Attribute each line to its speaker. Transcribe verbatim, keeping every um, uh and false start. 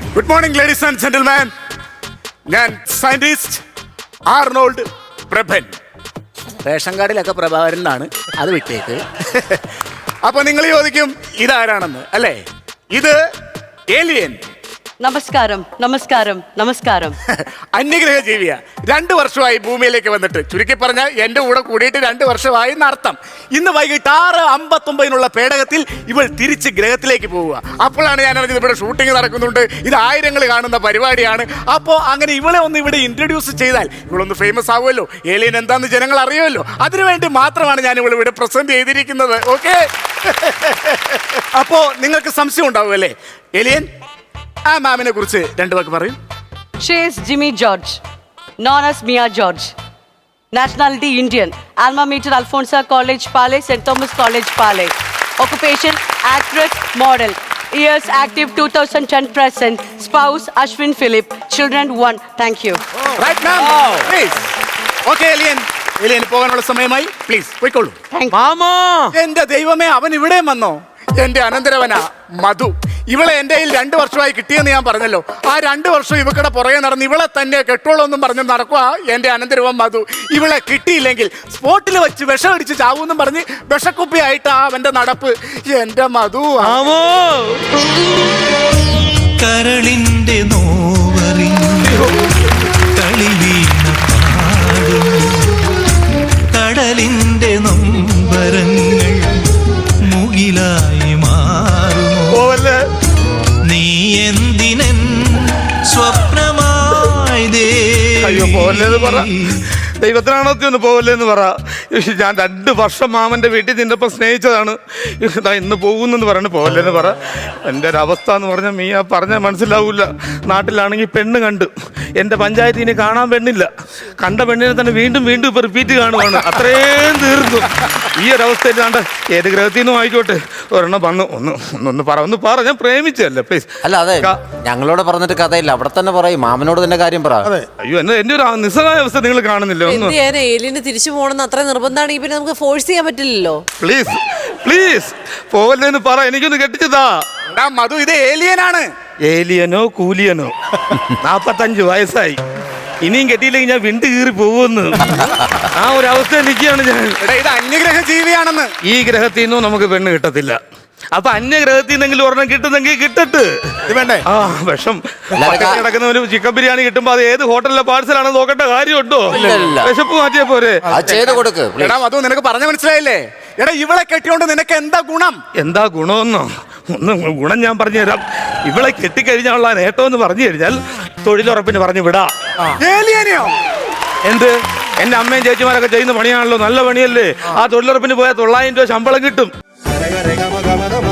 Speaker 1: Good morning ladies and gentleman. ഞാൻ scientist Arnold Prabhan. Ration കാർഡിലൊക്കെ പ്രഭാകരൻ എന്നാണ്, അത് വിട്ടേക്ക്. അപ്പൊ നിങ്ങൾ ചോദിക്കും ഇതാരാണെന്ന് അല്ലേ? ഇത് ഏലിയൻ.
Speaker 2: നമസ്കാരം നമസ്കാരം നമസ്കാരം.
Speaker 1: അന്യഗ്രഹ ജീവിയ. രണ്ടു വർഷമായി ഭൂമിയിലേക്ക് വന്നിട്ട്, ചുരുക്കി പറഞ്ഞാൽ എന്റെ കൂടെ കൂടിയിട്ട് രണ്ടു വർഷമായി എന്നർത്ഥം. ഇന്ന് വൈകിട്ട് ആറ് അമ്പത്തൊമ്പതിനുള്ള പേടകത്തിൽ ഇവൾ തിരിച്ച് ഗ്രഹത്തിലേക്ക് പോവുക. അപ്പോഴാണ് ഞാൻ അറിഞ്ഞത് ഇവിടെ ഷൂട്ടിംഗ് നടക്കുന്നുണ്ട്, ഇത് ആയിരങ്ങൾ കാണുന്ന പരിപാടിയാണ്. അപ്പോൾ അങ്ങനെ ഇവളെ ഒന്ന് ഇവിടെ ഇൻട്രൊഡ്യൂസ് ചെയ്താൽ ഇവളൊന്ന് ഫേമസ് ആവുമല്ലോ, ഏലിയൻ എന്താന്ന് ജനങ്ങൾ അറിയുമല്ലോ. അതിനുവേണ്ടി മാത്രമാണ് ഞാൻ ഇവൾ ഇവിടെ പ്രസന്റ് ചെയ്തിരിക്കുന്നത്. ഓക്കെ, അപ്പോ നിങ്ങൾക്ക് സംശയം ഉണ്ടാവും അല്ലേ? ഏലിയൻ, ആ മാമിനെ കുറിച്ച് രണ്ടു വാക്ക് പറയും.
Speaker 2: She is Jimmy George, known as Mia George. Nationality Indian. Alma mater Alfonsa College, Pale, Saint Thomas College, Pale. Occupation actress, model. Years active two thousand ten present. Spouse Ashwin Philip. Children one. Thank you.
Speaker 1: Right ma'am. Please. Okay, alien. Alien പോകാനുള്ള സമയമായി. Please പോയിക്കോളൂ.
Speaker 3: മാമാ,
Speaker 1: എന്റെ ദൈവമേ, അവൻ ഇവിടെ വന്നോ? എന്റെ അനന്തരവനാ മധു. ഇവളെ എന്റെ കയ്യിൽ രണ്ടു വർഷമായി കിട്ടിയെന്ന് ഞാൻ പറഞ്ഞല്ലോ. ആ രണ്ടു വർഷം ഇവക്കടെ പുറകെ നടന്ന് ഇവളെ തന്നെ കെട്ടോളൊന്നും പറഞ്ഞ് നടക്കുക എന്റെ അനന്തരവൻ മധു. ഇവളെ കിട്ടിയില്ലെങ്കിൽ സ്പോട്ടിൽ വെച്ച് വിഷം അടിച്ച് ചാവൂന്നും പറഞ്ഞ് വിഷക്കുപ്പിയായിട്ടാ അവന്റെ നടപ്പ്. എന്റെ മധു.
Speaker 4: കരളിന്റെ നോവറിഞ്ഞു കളി വീണ പാടും കടലിന്റെ നൊമ്പരങ്ങൾ മുകിലായി മാറുമോ നീ എന്തിനൻ സ്വപ്നമായി
Speaker 3: അയ്യോ പോവല്ലേന്ന് പറ, ദൈവത്തിനാണോ ഒന്ന് പോവല്ലേന്ന് പറ. ഞാൻ രണ്ട് വർഷം മാമൻ്റെ വീട്ടിൽ നിന്നപ്പോൾ സ്നേഹിച്ചതാണ്, ഇതാ ഇന്ന് പോകുന്നെന്ന് പറയണ പോവല്ലേന്ന് പറ. എൻ്റെ ഒരു അവസ്ഥ എന്ന് പറഞ്ഞാൽ മീ ആ പറഞ്ഞാൽ മനസ്സിലാവില്ല. നാട്ടിലാണെങ്കിൽ പെണ്ണ് കണ്ട്, എൻ്റെ പഞ്ചായത്തിൽ ഇനി കാണാൻ പെണ്ണില്ല. കണ്ട പെണ്ണിനെ തന്നെ വീണ്ടും വീണ്ടും ഇപ്പോൾ റിപ്പീറ്റ് കാണുവാണ്. അത്രയും തീർന്നു. ഈ ഒരു അവസ്ഥയിൽ കണ്ട് ഏത് ഗ്രഹത്തിൽ നിന്നും ആയിക്കോട്ടെ ഒരെണ്ണം വന്നു. ഒന്ന് ഒന്നൊന്ന് പറ ഒന്ന് പറ ഞാൻ പ്രേമിച്ചല്ലേ പ്ലീസ്.
Speaker 5: അല്ല അതെ, ഞങ്ങളോട് പറഞ്ഞിട്ട് കഥയില്ല, അവിടെ തന്നെ പറയും, മാമനോട് തന്നെ കാര്യം പറ.
Speaker 3: അയ്യോ എന്നെ എൻ്റെ ഒരു നിസ്സഹായ അവസ്ഥ നിങ്ങൾ കാണുന്നില്ല. ഒന്ന്
Speaker 6: ഏലിയന് തിരിച്ചു പോകണമെന്ന് അത്ര നിർബന്ധമാണെങ്കിൽ പിന്നെ നമുക്ക് ഫോഴ്സ് ചെയ്യാൻ പറ്റില്ലല്ലോ.
Speaker 3: പ്ലീസ് പ്ലീസ് പോവല്ലേന്ന് പറ, എനിക്കൊന്ന് കെട്ടിച്ചതാ.
Speaker 1: മധു, ഇത് ഏലിയനാണ്.
Speaker 3: ഏലിയനോ കൂലിയനോ, നാപ്പത്തഞ്ച് വയസ്സായി, ഇനിയും കെട്ടിയില്ലെങ്കിൽ ഞാൻ വിണ്ട് കീറി പോകുമെന്ന് ആ ഒരു അവസ്ഥ നിൽക്കുകയാണ് ഞാൻ.
Speaker 1: ഇത് അന്യഗ്രഹ ജീവിയാണെന്ന്.
Speaker 3: ഈ ഗ്രഹത്തിൽ നിന്നും നമുക്ക് പെണ്ണ് കിട്ടത്തില്ല. അപ്പൊ അന്യഗ്രഹത്തിൽ നിന്നെങ്കിലും ഒരെണ്ണം കിട്ടുന്നെങ്കിൽ കിട്ടട്ട്.
Speaker 1: വേണ്ടേ?
Speaker 3: ആ വിഷം കിടക്കുന്നവന് ചിക്കൻ ബിരിയാണി കിട്ടുമ്പോ അത് ഏത് ഹോട്ടലിലെ പാഴ്സലാണെന്ന് നോക്കേണ്ട കാര്യമുണ്ടോ? വിശപ്പ് മാറ്റിയ പോരെ.
Speaker 5: ചെയ്ത് കൊടുക്ക്.
Speaker 1: എടാ മധു, നിനക്ക് പറഞ്ഞു മനസ്സിലായില്ലേ? എടാ ഇവളെ കെട്ടിയോണ്ട് നിനക്ക് എന്താ ഗുണം?
Speaker 3: എന്താ ഗുണമെന്നോ? ഒന്ന് ഗുണം ഞാൻ പറഞ്ഞു തരാം. ഇവളെ കെട്ടിക്കഴിഞ്ഞാലുള്ള നേട്ടം എന്ന് പറഞ്ഞു കഴിഞ്ഞാൽ തൊഴിലുറപ്പിന് പറഞ്ഞു വിടാ.
Speaker 1: ഏലിയനെയോ?
Speaker 3: എന്ത്, എന്റെ അമ്മയും ചേച്ചിമാരൊക്കെ ചെയ്യുന്ന പണിയാണല്ലോ, നല്ല പണിയല്ലേ. ആ തൊഴിലുറപ്പിന് പോയാൽ തൊള്ളായിരം രൂപ ശമ്പളം കിട്ടും.